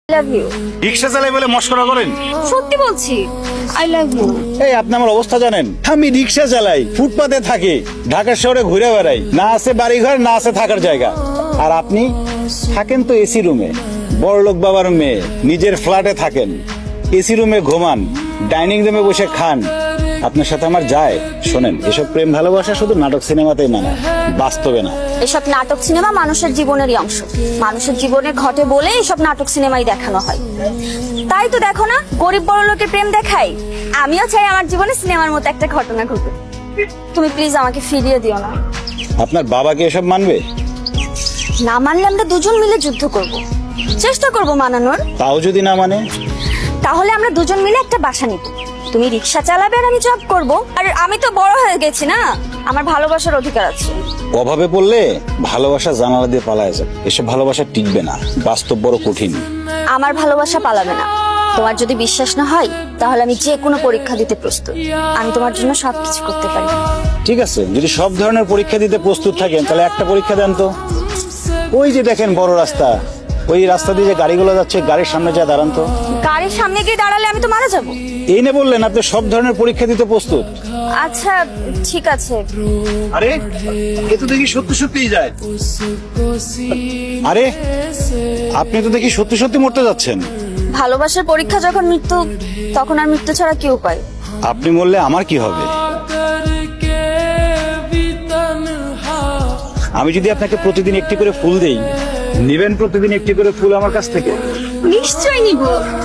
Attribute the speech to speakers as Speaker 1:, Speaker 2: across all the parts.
Speaker 1: Love you.
Speaker 2: রিক্সা চালাই বলে মস্করা করেন?
Speaker 1: সত্যি বলছি, আই লাভ ইউ।
Speaker 2: এই আপনি আমার অবস্থা জানেন? আমি রিক্সা চালাই, ফুটপাতে থাকি, ঢাকা শহরে ঘুরে বেড়াই, না আছে বাড়ি ঘর, না আছে থাকার জায়গা। আর আপনি থাকেন তো এসি রুমে, বড়লোক বাবার মেয়ে, নিজের ফ্ল্যাটে থাকেন, এসি রুমে ঘুমান, ডাইনিং রুমে বসে খান। আপনার সাথে আমার যায়? শোনেন, এসব প্রেম ভালোবাসা শুধু নাটক সিনেমাতেই মানায়, বাস্তবে না।
Speaker 1: এসব নাটক সিনেমা মানুষের জীবনেরই অংশ, মানুষের জীবনে ঘটে বলে এসব নাটক সিনেমাই দেখানো হয়। তাই তো দেখো না, গরিব বড় লোকের প্রেম দেখাই। আমিও চাই আমার জীবনে সিনেমার মতো একটা ঘটনা ঘটুক। তুমি প্লিজ আমাকে ফিরিয়ে দিও না।
Speaker 2: আপনার বাবাকে এসব মানবে?
Speaker 1: না মানলে আমরা দুজন মিলে যুদ্ধ করব, চেষ্টা করব মানানোর।
Speaker 2: তাও যদি না মানে?
Speaker 1: তাহলে আমরা দুজন মিলে একটা বাসা নিব, তুমি রিক্সা চালাবে আর আমি জব করব। আর আমি তো বড় হয়ে গেছি না, আমার ভালোবাসার অধিকার আছে।
Speaker 2: অভাবে পড়লে ভালোবাসা জানালা দিয়ে পালায় যাবে, এসব ভালোবাসা টিকবে না, বাস্তব বড় কঠিন।
Speaker 1: আমার ভালোবাসা পালাবে না। তোমার যদি বিশ্বাস না হয় তাহলে আমি যে কোনো পরীক্ষা দিতে প্রস্তুত। আমি তোমার জন্য সবকিছু করতে পারি।
Speaker 2: ঠিক আছে, যদি সব ধরনের পরীক্ষা দিতে প্রস্তুত থাকেন তাহলে একটা পরীক্ষা দেন তো। ওই যে দেখেন বড় রাস্তা, ওই রাস্তা দিয়ে যে গাড়িগুলো যাচ্ছে, গাড়ির সামনে যা দাঁড়ান তো।
Speaker 1: গাড়ির সামনে গিয়ে দাঁড়ালে আমি তো মারা যাব।
Speaker 2: এই না বললেন আপনি সব ধরনের পরীক্ষা দিতে প্রস্তুত?
Speaker 1: আচ্ছা ঠিক আছে।
Speaker 2: আরে এ তো দেখি সত্যি সত্যিই যায়। আরে আপনি তো দেখি সত্যি সত্যি মরতে যাচ্ছেন।
Speaker 1: ভালোবাসার পরীক্ষা যখন মৃত্যু, তখন আর মৃত্যু ছাড়া কি উপায়?
Speaker 2: আপনি মরলে আমার কি হবে? আমি যদি আপনাকে প্রতিদিন একটি করে ফুল দেই, নেবেন প্রতিদিন একটি করে ফুল আমার কাছ থেকে?
Speaker 1: নিশ্চয়ই নিব।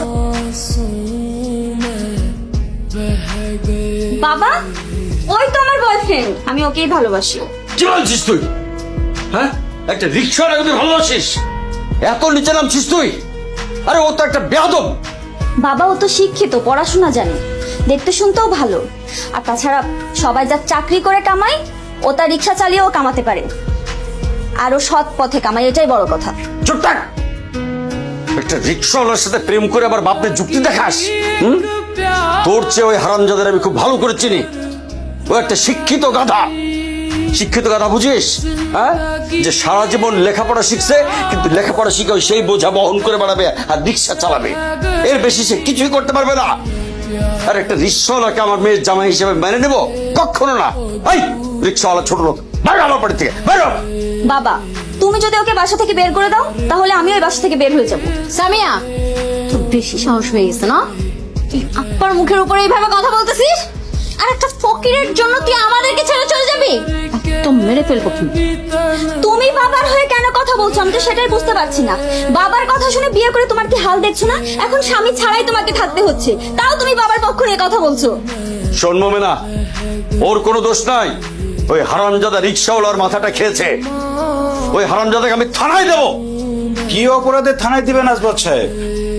Speaker 1: বাবা, ওই তো আমার বয়ফ্রেন্ড, আমি ওকেই ভালোবাসি।
Speaker 3: কি বলছিস তুই? হ্যাঁ, একটা রিক্সার আগে ভালোবাসিস? এত নিচে নামছিস তুই? আরে ও তো একটা বেয়াদব।
Speaker 1: বাবা, ও তো শিক্ষিত, পড়াশোনা জানে, দেখতে শুনতেও ভালো। আর তাছাড়া সবাই যা চাকরি করে কামায়, ও তার রিক্সা চালিয়েও কামাতে পারে। আর ও সৎ পথে কামায়, এটাই বড় কথা।
Speaker 3: চুপ থাক। একটা রিক্সাওয়ালার সাথে প্রেম করে আবার বাপের যুক্তি দেখাস? তোর চেয়ে ওই হারামজাদের আমি খুব ভালো করে চিনি। ও একটা শিক্ষিত গাধা। শিক্ষিত গাধা বুঝিস? হ্যাঁ, যে সারা জীবন লেখাপড়া শিখছে, কিন্তু লেখাপড়া শিখে ওই সেই বোঝা বহন করে বেড়াবে আর রিক্সা চালাবে। এর বেশি সে কিছুই করতে পারবে না। আর একটা রিক্সাওয়ালাকে আমার মেয়ের জামাই হিসেবে মেনে নেব? কখনো না। এই রিক্সাওয়ালা ছোট লোক, বাইরে আমার বাড়ি থেকে বাইরে।
Speaker 1: বাবা, তুমি যদি ওকে বাসা থেকে বের করে দাও, তাহলে আমি ওই বাসা থেকে বের হয়ে যাব।
Speaker 4: সামিয়া, তোর বেশি সাহস হয়ে গেছে না? তুই আপ্পার মুখের উপরে এইভাবে কথা বলতেছিস? আর একটা ফকিরের জন্য তুই আমাদেরকে ছেড়ে চলে যাবি? তো মেরে ফেলবো কিন্তু।
Speaker 1: তুমি বাবার হয়ে কেন কথা বলছো? আমি তো সেটাই বুঝতে পারছি না। বাবার কথা শুনে বিয়ে করে তোমার কি হাল দেখছো না? এখন স্বামী ছাড়াই তোমাকে থাকতে হচ্ছে, তাও তুমি বাবার পক্ষ নিয়ে কথা বলছো।
Speaker 3: শোন মোমেনা, ওর কোনো দোষ নাই। ওই হারামজাদা রিক্সাওয়ালার মাথাটা খেয়েছে। ওই হারামজাদাকে আমি থানায় দেবো।
Speaker 2: কি অপরাধে থানায় দিবেন আসবাদ সাহেব?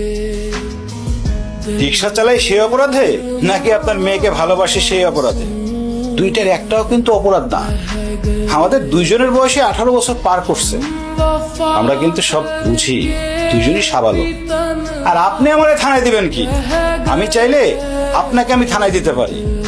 Speaker 2: রিক্সা চালাই সেই অপরাধে, নাকি আপনার মেয়েকে ভালোবাসে সেই অপরাধে? দুইটার একটাও কিন্তু অপরাধ না। আমাদের দুইজনের বয়সে 18 বছর পার করছে, আমরা কিন্তু সব বুঝি, দুইজনই সাবালক। আর আপনি আমারে থানায় দিবেন কি? আমি চাইলে আপনাকে আমি থানায় দিতে পারি।